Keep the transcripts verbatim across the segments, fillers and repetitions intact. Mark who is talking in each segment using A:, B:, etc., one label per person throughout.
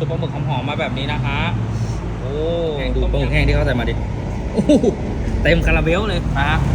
A: ซุปปลาหมึกหอมๆมาแบบนี้นะคะโอ้ดูปลาหมึกแห้งที่เขาใส่มาดิเต็มคาราเบลเลยนะฮะ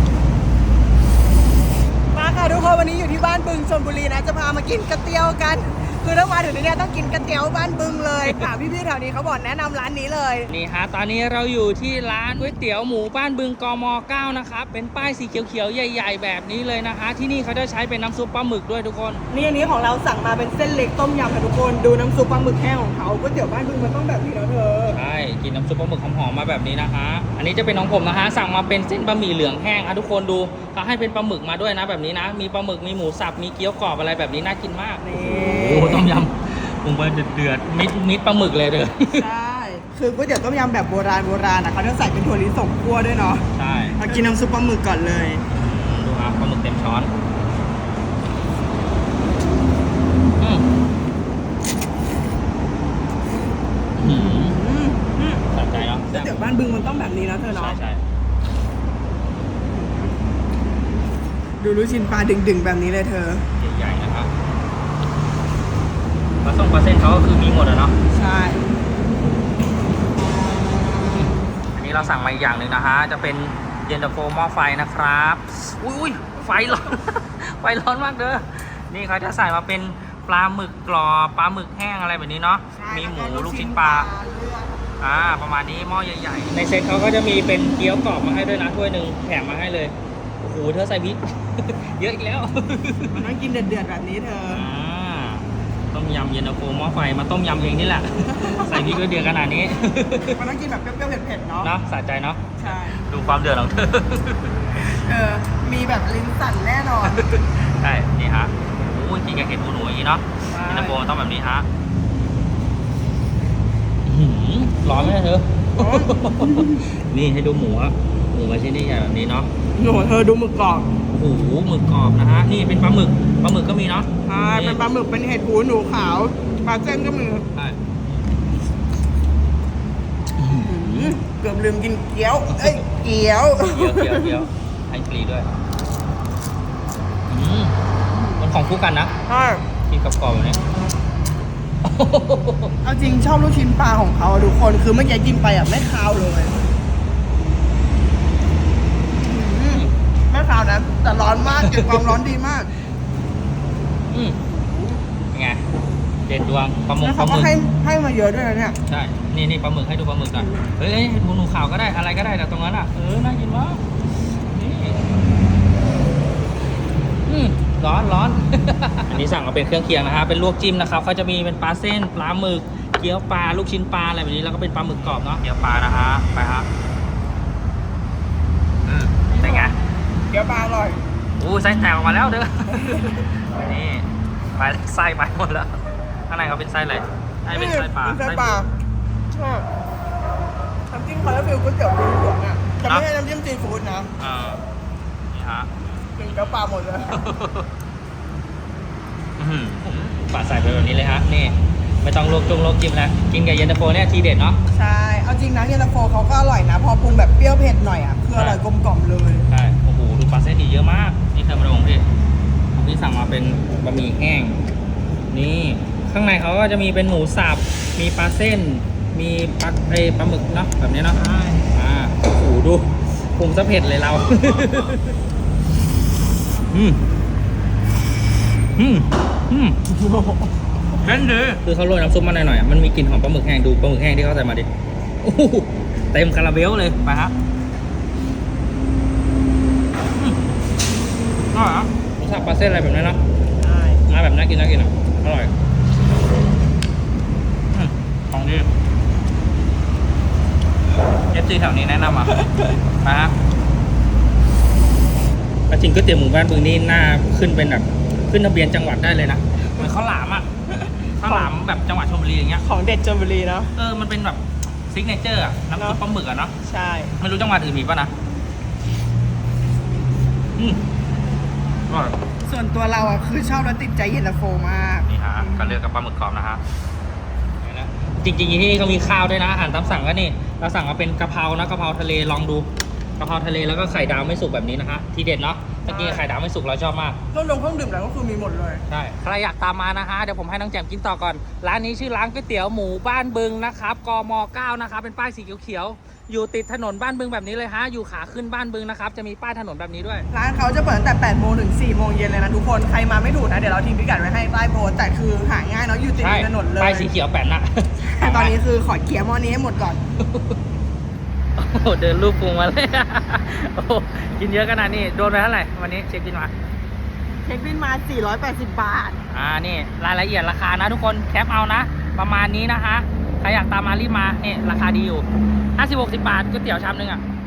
B: มาค่ะทุกคนวันนี้อยู่ที่บ้านบึงชลบุรีนะจะพามากินกระเตี๋ยวกันคือถ้ามาถึงที่นี่ต้องกินกระเตี๋ยวบ้านบึงเลยค่ะพี่ๆแถวนี้เขาบอกแนะนำร้านนี้เลย
A: นี่ฮะตอนนี้เราอยู่ที่ร้านก๋วยเตี๋ยวหมูบ้านบึงกม.เก้านะครับเป็นป้ายสีเขียวๆใหญ่ๆแบบนี้เลยนะคะที่นี่เขาจะใช้เป็นน้ำซุปปลาหมึกด้วยทุกคน
B: นี่อันนี้ของเราสั่งมาเป็นเส้นเล็กต้มยำค่ะทุกคนดูน้ำซุปปลาหมึกแห้งของเขาก๋วยเตี๋ยวบ้านบึงมันต้องแบบนี้แล้วเธอ
A: ใช่กินน้ำซุปปลาหมึกหอมๆมาแบบนี้นะคะอันนี้จะเป็นของผมนะคะสั่งมาเป็นเส้นบะหมี่เหลืองแห้งอ่ะทุกคนดูเขาให้เป็นปลาหมึกมาด้วยนะแบบนี้นะมีปลาหมึกมีหมูสับมีเกี๊ยวกรอบอะไรแบบนี้น่ากินมากโอ้ต้มยำปรุงไปเดือดๆมิดมิดปลาหมึกเลยเด้อ
B: ใช่คือก๋วยเตี๋ยวต้มยำแบบโบราณโบราณนะเขาจะใส่เป็นถั่วลิสงคั่วด้วยเนาะ
A: ใช่
B: มากินน้ำซุปปลาหมึกก่อนเลย
A: ดูครับปลาหมึกเต็มช้อนอืมอืมสะใจเนาะ
B: ก๋วยเตี๋ยวบ้านบึงมันต้องแบบนี้นะเธอเนาะ
A: ใช่ใช่
B: ดูลูกชิ้นปลาดึงๆแบบนี้เลยเธอ
A: ใหญ่ๆนะครับปลาส้มปลาเส้นเขาก็คือมีหมดอะเนาะ
B: ใช่
A: อันนี้เราสั่งมาอีกอย่างหนึ่งนะฮะจะเป็นเย็นตาโฟหม้อไฟนะครับอุ้ยไฟร้อน ไฟร้อนมากเด้อนี่เขาจะใส่มาเป็นปลาหมึกกรอบปลาหมึกแห้งอะไรแบบนี้เนาะมีหมูลูกชิ้นปลาอ่าประมาณนี้หม้อใหญ่ๆในเซ็ตเขาก็จะมีเป็นเกี๊ยวกรอบมาให้ด้วยนะถ้วยหนึ่งแถมมาให้เลยโอ้โหเธอใส่พริก เยอะอีกแล้ว
B: มันต้องกินเดือดๆแบบนี้เธอ
A: ต้มยำเย็นตาโฟหม้อไฟมาต้มยำเองนี่แหละ ใส่พริกด้วยเดือดขนาดนี้
B: มันต้องกินแบบเปรี้ยวๆเผ็ดๆเนาะ
A: เนาะสะใจเนาะ
B: ใช่
A: ดูความเดือดของเธอ
B: เออมีแบบลิ้นสั่นแน่นอน
A: ใช่นี่ฮะโอ้ยกินกับเห็ดหูหนูอย่างนี้เนาะเย็นตาโฟต้องแบบนี้ฮะร้อนไหมเธอ นี่ให้ดูหมูอะหมูมาชิ้นนี้ใหญ่แบบนี้เนาะ
B: หนูเธอดูหมึกกรอบ
A: โอ้โหหมึกกรอบนะฮะนี่เป็นปลาหมึกปลาหมึกก็มีเนาะ
B: ใช่เป็นปลาหมึกเป็นเห็ดหูหนูขาวปลาเส้นก็มี
A: ใช่
B: เกือบลืมกินเกี๊ยวเอ้ยเกี๊ยว
A: เกี๊ยวเกี๊ยวเกี๊ยวให้ฟรีด้วยมันของคู่กันนะ
B: ใช่
A: กินกับกรอบแบบนี้
B: เอาจริงชอบลูกชิ้นปลาของเขาทุกคนคือเมื่อกี้กินไปอ่ะไม่คาวเลยไม่คาวนะแต่ร้อนมากเก็บความร้อนดีมาก
A: อืมเป็นไงเด็ดดวงปลาหมึก
B: ปลาหมึกให้ให้มาเยอะด้วยนะเนี่ย
A: ใช่นี่นี่ปลาหมึกให้ดูปลาหมึกก่อนเฮ้ยหมูหนูขาวก็ได้อะไรก็ได้แต่ตรงนั้นอ่ะเออน่ากินมากนี่อืมร้อนร้อน อันนี้สั่งมาเป็นเครื่องเคียงนะฮะเป็นลวกจิ้มนะครับเขาจะมีเป็นปลาเส้นปลาหมึกเกี๊ยวปลาลูกชิ้นปลาอะไรแบบนี้แล้วก็เป็นปลาหมึกกรอบเนาะเกี๊ยวปลานะฮะไปฮะอืมเป็นไง
B: เกี๊ยวปลาอร่อย
A: อู้ไส้แตกออกมาแล้วเด้อ นี่ไปไส้ไปหมดแล้วข้างในเขาเป็นไส้อะไรไส้เป็นไส้ปลา
B: ไส้ปลาใช่น้ำจิ้มเขาจะฟิลก๋วยเตี๋ยวหลวงอ่ะจะไม่ใช่น้ำจิ้มซีฟู้ดนะ
A: อ่านี่ฮะ
B: กินเกี๊ยวปลาหมดเลย
A: ปาดใส่ไปแบบนี้เลยฮะนี่ไม่ต้องลวกจุ่มลวกจิ้มแล้วกินกับเย็นตาโฟเนี่ยทีเด็ดเนาะ
B: ใช่เอาจริงนะเย็นตาโฟเขาก็อร่อยนะพอปรุงแบบเปรี้ยวเผ็ดหน่อยอ่ะคืออร่อยกลมกล่อมเลย
A: ใช่โอ้โหดูปลาเส้นดีเยอะมากนี่เคยมาลงพี่พี่สั่งมาเป็นบะหมี่แห้งนี่ข้างในเขาก็จะมีเป็นหมูสับมีปลาเส้นมีปลาไอปลาหมึกเนาะแบบนี้เนาะใช่อ่าโอ้โหดูปรุงซะเผ็ดเลยเราอืมอืมอืมเล่นดีคือเขาโรยน้ำซุปมาหน่อยๆมันมีกลิ่นหอมปลาหมึกแห้งดูปลาหมึกแห้งที่เขาใส่มาดิโอ้เต็มคาราเบลเลยไปฮะอร่อยอ่ะหมูสับปลาเส้นอะไรแบบนี้เนาะใช่มาแบบน่ากินน่ากินอ่ะอร่อยของดีเอฟซีแถวนี้แนะนำอ่ะมาฮะจริงก๋วยเตี๋ยวหมูบ้านบึงนี่น่าขึ้นเป็นแบบขึ้นทะเบียนจังหวัดได้เลยนะเหมือนข้าวหลามอ่ะข้าวหลามแบบจังหวัดชลบุรีอย่างเงี้ย
B: ของเด็ดชลบุรีเนาะ
A: เออมันเป็นแบบซิกเนเจอร์อ่ะน้ำซุปปลาหมึกอ่ะเนาะ
B: ใช่
A: ไม่รู้จังหวัดอื่นมีป่ะนะอืมอร่อย
B: ส่วนตัวเราอ่ะคือชอบแล้วติดใจเย็นตาโฟมาก
A: นี่ฮะก็เลือกกับปลาหมึกกรอบนะฮะจริงๆที่นี่เขามีข้าวด้วยนะอาหารตามสั่งก็นี่เราสั่งมาเป็นกะเพรานะกะเพราทะเลลองดูกะเพราทะเลแล้วก็ไข่ดาวไม่สุกแบบนี้นะฮะทีเด็ดเนาะมื่อกี้ไข่ดาวไม่สุกเราชอบมาก
B: เครื่องดองเครื่องดื่มแล้วก็คือมีหมดเลย
A: ใช่ใครอยากตามมานะฮะเดี๋ยวผมให้น้องแจ่มกินต่อก่อนร้านนี้ชื่อร้านก๋วยเตี๋ยวหมูบ้านบึงนะครับกมเก้านะครับเป็นป้ายสีเขียวๆอยู่ติดถนนบ้านบึงแบบนี้เลยฮะอยู่ขาขึ้นบ้านบึงนะครับจะมีป้ายถนนแบบนี้ด้วย
B: ร้านเขาจะเปิดตั้งแต่แปดโมงถึงสี่โมงเย็นเลยนะทุกคนใครมาไม่ถูกนะเดี๋ยวเราทิ้งพิกัดไว้ให้ใต้โพสต์แต่คือหาง่ายเนาะอยู่ติด
A: ใช่
B: ถนนเลย
A: ป้ายสีเขียวแปะนะ
B: ตอนนี้คือขอเกียร์หม้อนี้ให้หมดก่อน
A: โอ้โหเดินลูกพุงมาเลย โอ้โหกินเยอะขนาดนี้โดนไปเท่าไหร่วันนี้เช็คบินมา
B: เช็คบินมาสี่ร้อยแปดสิบบาท
A: อ่านี่รายละเอียดราคานะทุกคนแคปเอานะ ประมาณนี้นะฮะใครอยากตามมารีบมานี่ราคาดีอยู่ห้าสิบหกสิบบาทก๋วยเตี๋ยวชามนึงอ่ะ